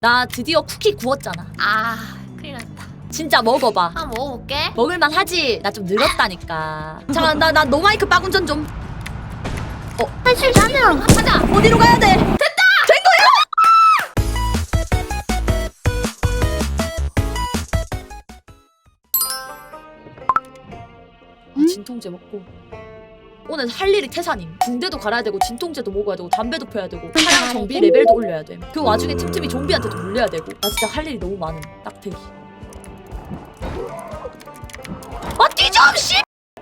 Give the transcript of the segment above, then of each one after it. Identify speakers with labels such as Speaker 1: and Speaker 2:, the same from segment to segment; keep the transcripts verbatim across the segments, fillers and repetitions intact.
Speaker 1: 나 드디어 쿠키 구웠잖아.
Speaker 2: 아, 큰일 났다.
Speaker 1: 진짜 먹어봐.
Speaker 2: 한번 먹어볼게.
Speaker 1: 먹을만 하지? 나 좀 늘었다니까. 잠깐, 나, 나 노마이크 빠운전 좀.
Speaker 2: 사실 나는 가자.
Speaker 1: 어디로 가야 돼? 됐다! 된 거야! 아, 진통제 먹고. 오늘 할 일이 태산임. 붕대도 갈아야 되고 진통제도 먹어야 되고 담배도 펴야 되고 차량 정비 레벨도 올려야 돼. 그 와중에 틈틈이 좀비한테도 물려야 되고. 나 진짜 할 일이 너무 많음. 딱대기. 아 뛰좀 씨!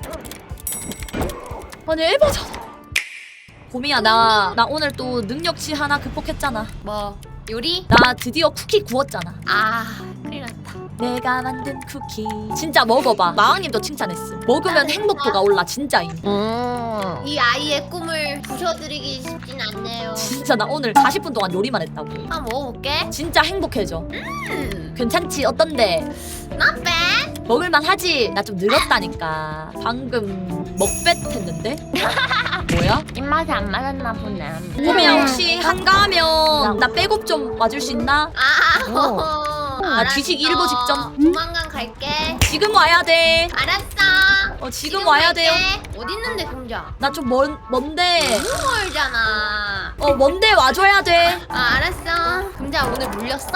Speaker 1: 아니 에바잖아. 고미야 나, 나 오늘 또 능력치 하나 극복했잖아.
Speaker 2: 뭐 요리?
Speaker 1: 나 드디어 쿠키 구웠잖아.
Speaker 2: 아, 큰일 났다.
Speaker 1: 내가 만든 쿠키 진짜 먹어봐. 마왕님도 칭찬했어. 먹으면 행복도가 올라 진짜임.
Speaker 2: 음. 이 아이의 꿈을 부셔드리기 쉽진 않네요.
Speaker 1: 진짜 나 오늘 사십 분 동안 요리만 했다고.
Speaker 2: 한번 먹어볼게.
Speaker 1: 진짜 행복해져.
Speaker 2: 음,
Speaker 1: 괜찮지? 어떤데?
Speaker 2: not bad.
Speaker 1: 먹을만 하지? 나 좀 늘었다니까. 방금 먹뱃 했는데? 뭐야?
Speaker 2: 입맛이 안 맞았나 보네.
Speaker 1: 고미야 혹시 한가하면 나 백업 좀 와줄 수 있나?
Speaker 2: 아,
Speaker 1: 어.
Speaker 2: 나
Speaker 1: 뒤지기 일보 직전.
Speaker 2: 조만간 갈게.
Speaker 1: 지금 와야 돼.
Speaker 2: 알았어.
Speaker 1: 어 지금 와야 돼요.
Speaker 2: 어디 있는데 금자?
Speaker 1: 나 좀 먼, 먼데.
Speaker 2: 너무 멀잖아.
Speaker 1: 어 먼데 와줘야 돼.
Speaker 2: 아, 알았어. 금자 오늘 물렸어?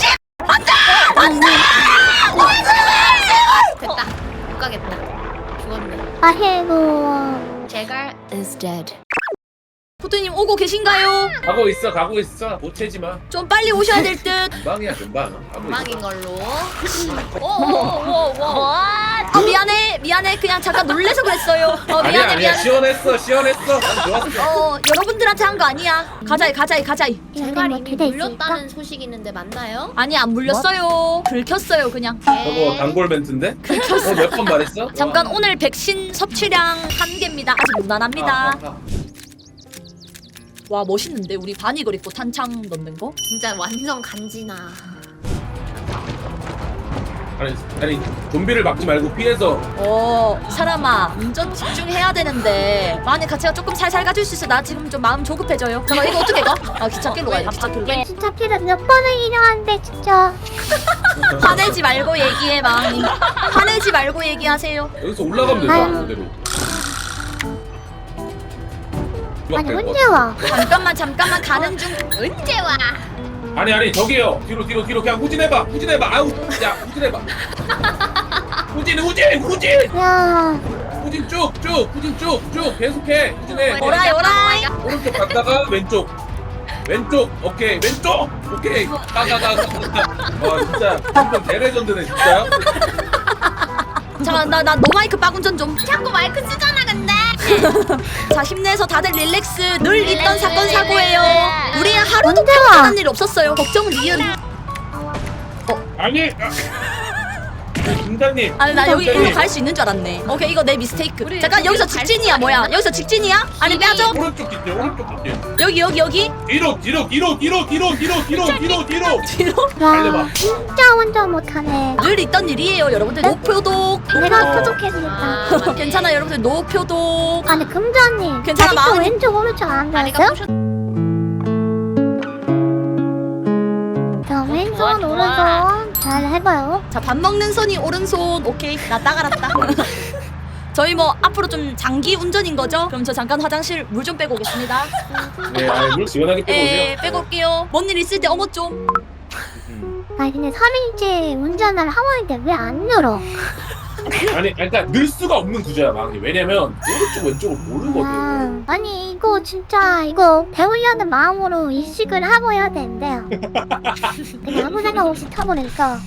Speaker 2: 됐다. 못 가겠다. 죽었네.
Speaker 3: 아이고.
Speaker 2: 제갈 is dead.
Speaker 1: 포트님 오고 계신가요?
Speaker 4: 가고 있어 가고 있어 못 채지 마.
Speaker 1: 좀 빨리 오셔야 될 듯.
Speaker 4: 금방이야 금방. 가고
Speaker 2: 망인
Speaker 4: 있어.
Speaker 2: 걸로.
Speaker 1: 오오오오. 아 미안해 미안해 그냥 잠깐 놀래서 그랬어요. 어
Speaker 4: 아니야
Speaker 1: 미안해
Speaker 4: 아니야
Speaker 1: 미안해.
Speaker 4: 시원했어 시원했어. 난 좋았어.
Speaker 1: 어 여러분들한테 한 거 아니야. 가자이 가자이 가자이.
Speaker 2: 제갈
Speaker 3: 뭐
Speaker 2: 이미
Speaker 3: 기대 있을까?
Speaker 2: 물렸다는 소식이 있는데 맞나요?
Speaker 1: 아니 안 물렸어요. 긁혔어요 그냥.
Speaker 4: 저거 단골 멘트인데? 어, 몇 번 말했어?
Speaker 1: 잠깐 오늘 백신 섭취량 한 개입니다. 아직 무난합니다.
Speaker 4: 아, 아, 아.
Speaker 1: 와 멋있는데 우리 바니걸 입고 탄창 넣는 거?
Speaker 2: 진짜 완전 간지나.
Speaker 4: 아니 아니 좀비를 막지 말고 피해서.
Speaker 1: 어 사람아 운전 집중해야 되는데 만약 가치가 조금 살살 가줄 수 있어. 나 지금 좀 마음 조급해져요. 잠깐 이거 어떻게 가? 아 기찻길로 가야 돼 기찻길로.
Speaker 3: 진짜 피를 몇 번을 일어났는데 진짜.
Speaker 1: 화내지 말고 얘기해 마음님. 화내지 말고 얘기하세요.
Speaker 4: 여기서 올라가면 되잖아 그대로.
Speaker 3: 아니 언제 와?
Speaker 1: 잠깐만 잠깐만 가는 중.
Speaker 2: 언제 와?
Speaker 4: 아니 아니 저기요 뒤로 뒤로 뒤로 그냥 후진해봐 후진해봐 아우 야 후진해봐. 후진 후진 후진
Speaker 3: 야.
Speaker 4: 후진 쭉쭉 후진 쭉쭉 계속해 후진해.
Speaker 1: 오라이 오라이.
Speaker 4: 오른쪽 갔다가 왼쪽 왼쪽 오케이 왼쪽 오케이 가가가 와 진짜 한번 대레전드네 진짜.
Speaker 1: 잠깐 나 나 노마이크 빠운전 좀.
Speaker 2: 자꾸 마이크 쓰잖아 근데.
Speaker 1: 자 힘내서 다들 릴렉스. 늘 있던 사건 사고예요. 우리 하루도
Speaker 3: 언제 와?
Speaker 1: 평온한 일 없었어요. 걱정은 니은.
Speaker 4: 아니 김장님
Speaker 1: 아니 나 여기
Speaker 4: 김장님.
Speaker 1: 일로 갈 수 있는 줄 알았네. 오케이 이거 내 미스테이크. 잠깐 여기서 직진이야 뭐야? 여기서 직진이야? 아니 빼줘.
Speaker 4: 오른쪽 뒷길 오른쪽 뒷길
Speaker 1: 여기 여기 여기.
Speaker 4: 뒤로 뒤로 뒤로 뒤로 뒤로 뒤로 뒤로 뒤로 뒤로
Speaker 1: 뒤로.
Speaker 4: 달려봐.
Speaker 3: 야. 진짜 운전 못하네.
Speaker 1: 늘 있던 일이에요 여러분들. 노표독.
Speaker 3: 내가
Speaker 4: 어.
Speaker 3: 표독했으니까.
Speaker 2: 아, 맞네.
Speaker 1: 괜찮아 여러분들 노표독.
Speaker 3: 아니 금자님.
Speaker 1: 괜찮아,
Speaker 3: 아직도
Speaker 1: 마음이-
Speaker 3: 왼쪽 오른쪽 안
Speaker 2: 다리가
Speaker 3: 배웠어요?
Speaker 2: 부셨.
Speaker 3: 자 왼손
Speaker 2: 좋아, 좋아.
Speaker 3: 오른손 잘 해봐요.
Speaker 1: 자 밥 먹는 손이 오른손. 오케이 나 딱 알았다. 저희 뭐 앞으로 좀 장기 운전인 거죠? 그럼 저 잠깐 화장실 물 좀 빼고 오겠습니다.
Speaker 4: 네, 아니 물 시원하게 빼고 오세요.
Speaker 1: 에 빼고 올게요. 뭔 일 있을 때 어머 좀.
Speaker 3: 아니 근데 삼 일째 운전을 하고 있는데 왜 안 늘어?
Speaker 4: 아니 그러니까 늘 수가 없는 구조야 막이. 왜냐면 오른쪽 왼쪽을 모르거든.
Speaker 3: 아, 아니 이거 진짜 이거 배우려는 마음으로 인식을 하고 해야 되는데요. 그냥 아무 생각 없이 타버리니까.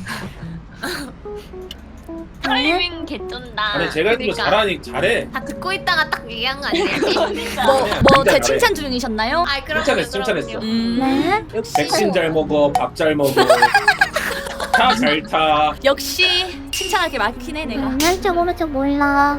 Speaker 2: 타이밍 개쩐다.
Speaker 4: 아니 제가 이거 잘하니 잘해.
Speaker 2: 다 듣고 있다가 딱 얘기한 거 아니겠지?
Speaker 1: 뭐
Speaker 4: 아니야,
Speaker 1: 뭐
Speaker 4: 진짜
Speaker 1: 제
Speaker 4: 잘해.
Speaker 1: 칭찬 중이셨나요?
Speaker 2: 아, 그럼
Speaker 4: 칭찬했어, 칭찬했어.
Speaker 1: 음
Speaker 3: 네.
Speaker 1: 역시
Speaker 4: 백신 잘 먹어 밥 잘 먹어 차 잘 타.
Speaker 1: 역시 칭찬할 게 많긴 해 내가.
Speaker 3: 음, 왼쪽 오른쪽 몰라.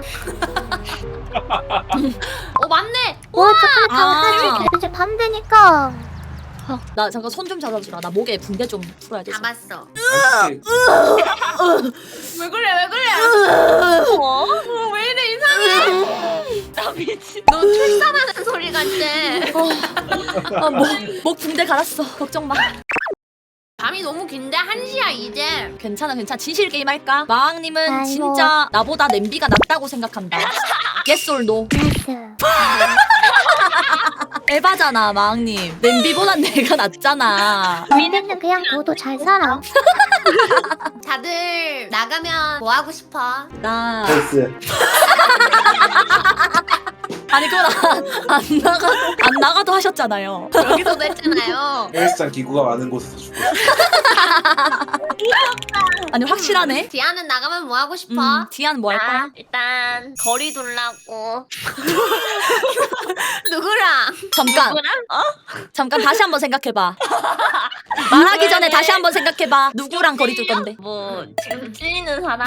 Speaker 2: 어 맞네.
Speaker 3: 오른쪽
Speaker 1: 아.
Speaker 3: 하나 이제 밤 되니까.
Speaker 1: 나 잠깐 손 좀 잡아주라. 나 목에 붕대 좀 풀어야 돼서.
Speaker 2: 잡았어.
Speaker 4: 아니,
Speaker 2: 왜 그래 왜 그래? 어? 어, 왜 이래 이상해? 나 미친. 너 출산하는 소리 같지?
Speaker 1: 아, 목, 목 붕대 갈았어. 걱정 마.
Speaker 2: 밤이 너무 긴데 한 시야 이제.
Speaker 1: 괜찮아 괜찮아. 진실 게임 할까? 마왕님은
Speaker 3: 아이고.
Speaker 1: 진짜 나보다 냄비가 낫다고 생각한다. yes or no?
Speaker 3: 예스.
Speaker 1: 에바잖아 마왕님. 냄비보단 내가 낫잖아.
Speaker 3: 우리는 그냥 너도 잘 살아.
Speaker 2: 다들 나가면 뭐 하고 싶어?
Speaker 1: 나
Speaker 5: 헬스.
Speaker 1: 아니 그건 안, 안 나가도 안 나가도 하셨잖아요.
Speaker 2: 여기서도 했잖아요.
Speaker 5: 헬스장 기구가 많은 곳에서 죽고 싶어.
Speaker 1: 아니 확실하네.
Speaker 2: 디아는 나가면 뭐 하고 싶어?
Speaker 1: 음, 디안 뭐 할까?
Speaker 2: 아, 일단 거리 둘라고. 누구랑?
Speaker 1: 잠깐
Speaker 2: 누구랑? 어?
Speaker 1: 잠깐 다시 한번 생각해봐. 말하기 전에 다시 한번 생각해봐. 누구랑 거리 둘 건데?
Speaker 2: 뭐 지금 찔리는 사람?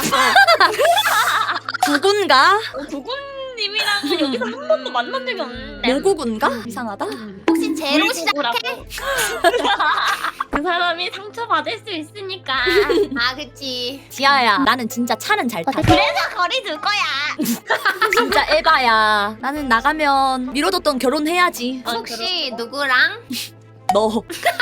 Speaker 1: 구군가?
Speaker 2: 구군님이랑 여기서 한 번도 만난 적이 없는데.
Speaker 1: 모구군가? 이상하다.
Speaker 2: 혹시 제로 시작해? 그 사람이 상처 받을 수 있으니까. 아 그치.
Speaker 1: 지아야 나는 진짜 차는 잘 타.
Speaker 3: 어떻게?
Speaker 2: 그래서 거리 둘 거야.
Speaker 1: 진짜 에바야. 나는 나가면 미뤄뒀던 결혼해야지.
Speaker 2: 혹시 누구랑?
Speaker 1: 너.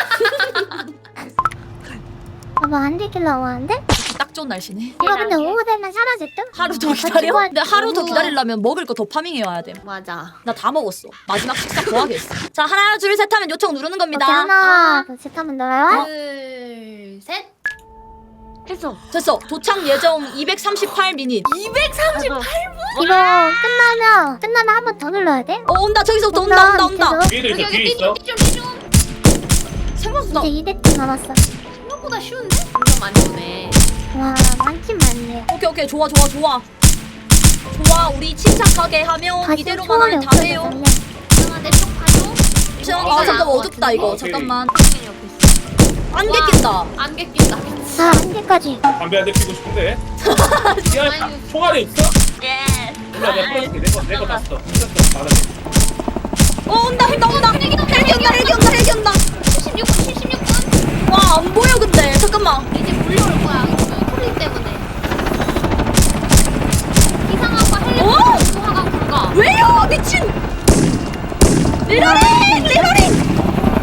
Speaker 3: 뭐 안 되길라고 하는데?
Speaker 1: 딱 좋은 날씨네.
Speaker 3: 이거 근데 오후 되면 사라질 듯?
Speaker 1: 하루 더
Speaker 3: 같이
Speaker 1: 기다려?
Speaker 3: 구할
Speaker 1: 근데 하루 더
Speaker 2: 우와.
Speaker 1: 기다리려면 먹을 거 더 파밍해 와야 돼.
Speaker 2: 맞아.
Speaker 1: 나 다 먹었어. 마지막 식사 더 하겠어. 자 하나 둘 셋 하면 요청 누르는
Speaker 3: 오케이
Speaker 1: 겁니다.
Speaker 3: 하나 둘셋 하면 놀아요?
Speaker 2: 둘 셋. 했어.
Speaker 1: 됐어. 도착 예정 이백삼십팔 미닛.
Speaker 2: 이백삼십팔
Speaker 3: 이거 끝나면 끝나면 한 번 더 눌러야 돼?
Speaker 1: 어 온다. 저기서부터 온다 온다 온다.
Speaker 5: 뒤에도 있어, 뒤에 있어.
Speaker 2: 좀 좀.
Speaker 1: 생각보다
Speaker 3: 이제 이 대쯤 남았어.
Speaker 2: 생각보다 쉬운데? 엄청 많이 오네.
Speaker 3: 와 많긴 많네.
Speaker 1: 오케이 오케이 좋아 좋아 좋아. 좋아 우리 침착하게 하면
Speaker 3: 다시
Speaker 1: 이대로만
Speaker 3: 초월이
Speaker 1: 하면 다
Speaker 3: 없어져.
Speaker 1: 돼요.
Speaker 2: 아, 내쪽 가줘.
Speaker 1: 자,
Speaker 2: 이거
Speaker 1: 아 잠깐
Speaker 2: 나은 것
Speaker 1: 어둡다
Speaker 2: 같은데?
Speaker 1: 이거.
Speaker 5: 어,
Speaker 1: 잠깐만.
Speaker 2: 당연히 옆에 있어.
Speaker 1: 안개
Speaker 2: 와.
Speaker 1: 낀다.
Speaker 2: 안개 낀다.
Speaker 3: 자 한 개까지.
Speaker 5: 담배 한 대 피고 싶은데. 야,
Speaker 2: 아니,
Speaker 5: 총알이 있어?
Speaker 2: 예.
Speaker 5: 몰라, 내가 풀어줄게. 내거 내거 봤어. 풀었어. 받아.
Speaker 1: 어 온다 온다 온다. 헬기 온다 헬기 온다 헬기 온다.
Speaker 2: 칠십육 분, 칠십육 분.
Speaker 1: 와 안 보여 근데 잠깐만.
Speaker 2: 이제 몰려올 거야. 소리 때문에. 이상하고
Speaker 1: 어?
Speaker 2: 헬리콥터 하가 굴가.
Speaker 1: 왜요 미친. 리로링 리로링.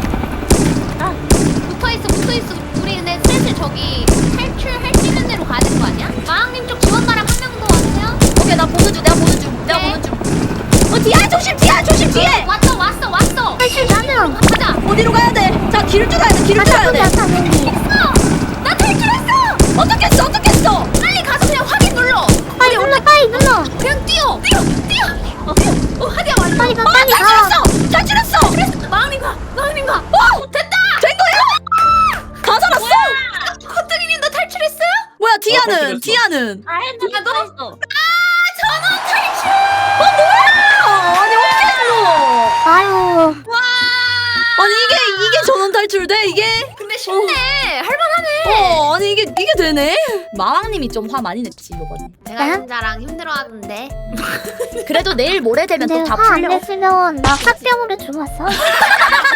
Speaker 2: 붙어 있어, 붙어 있어. 우리 근데 슬슬 저기 탈출할 수 있는 데로 가야 되는 거 아니야? 마왕님 쪽 지원가랑 한 명 더 왔어요?
Speaker 1: 오케이 나 보는 중 내가 보는 중 내가
Speaker 2: 네.
Speaker 1: 보는 중. 어 뒤야 조심 뒤야 조심 뒤에.
Speaker 2: 왔어, 왔어, 왔어.
Speaker 3: 탈출 가능.
Speaker 2: 가자.
Speaker 1: 어디로 가야 돼? 자 길을 뚫어야 돼 길을 뚫어야
Speaker 3: 가자
Speaker 1: 돼.
Speaker 3: 가자 맹기.
Speaker 2: 했어. 나 탈출했어.
Speaker 1: 어떻게 했어 어떻게 했어?
Speaker 2: 빨리 가서 그냥 확인 눌러.
Speaker 3: 빨리 눌러 빨리 눌러.
Speaker 2: 그냥 뛰어, 뛰어, 뛰어. 어, 뛰어. 어, 하디야 말이야.
Speaker 3: 빨리 가 빨리 가.
Speaker 1: 탈출했어 탈출했어.
Speaker 2: 그랬어. 마왕님 가, 마왕님 가.
Speaker 1: 어
Speaker 2: 됐다.
Speaker 1: 된 거야? 다 살았어?
Speaker 2: 커트리님 너 탈출했어요?
Speaker 1: 뭐야
Speaker 5: 어,
Speaker 1: 디아는
Speaker 5: 탈출했어.
Speaker 1: 디아는
Speaker 2: 아, 나도 했어.
Speaker 1: 아, 아니 어떻게 했어?
Speaker 3: 아유.
Speaker 1: 아니 이게 이게 전원 탈출돼 이게?
Speaker 2: 근데 쉽네. 할만하네.
Speaker 1: 어 아니 이게 이게 되네? 마왕님이 좀 화 많이 냈지 이번에.
Speaker 2: 내가
Speaker 3: 네?
Speaker 2: 혼자랑 힘들어하던데.
Speaker 1: 그래도 내일 모레 되면
Speaker 3: 근데
Speaker 1: 또 다
Speaker 3: 화 안
Speaker 1: 풀려.
Speaker 3: 냈으면 나 화병으로 죽었어.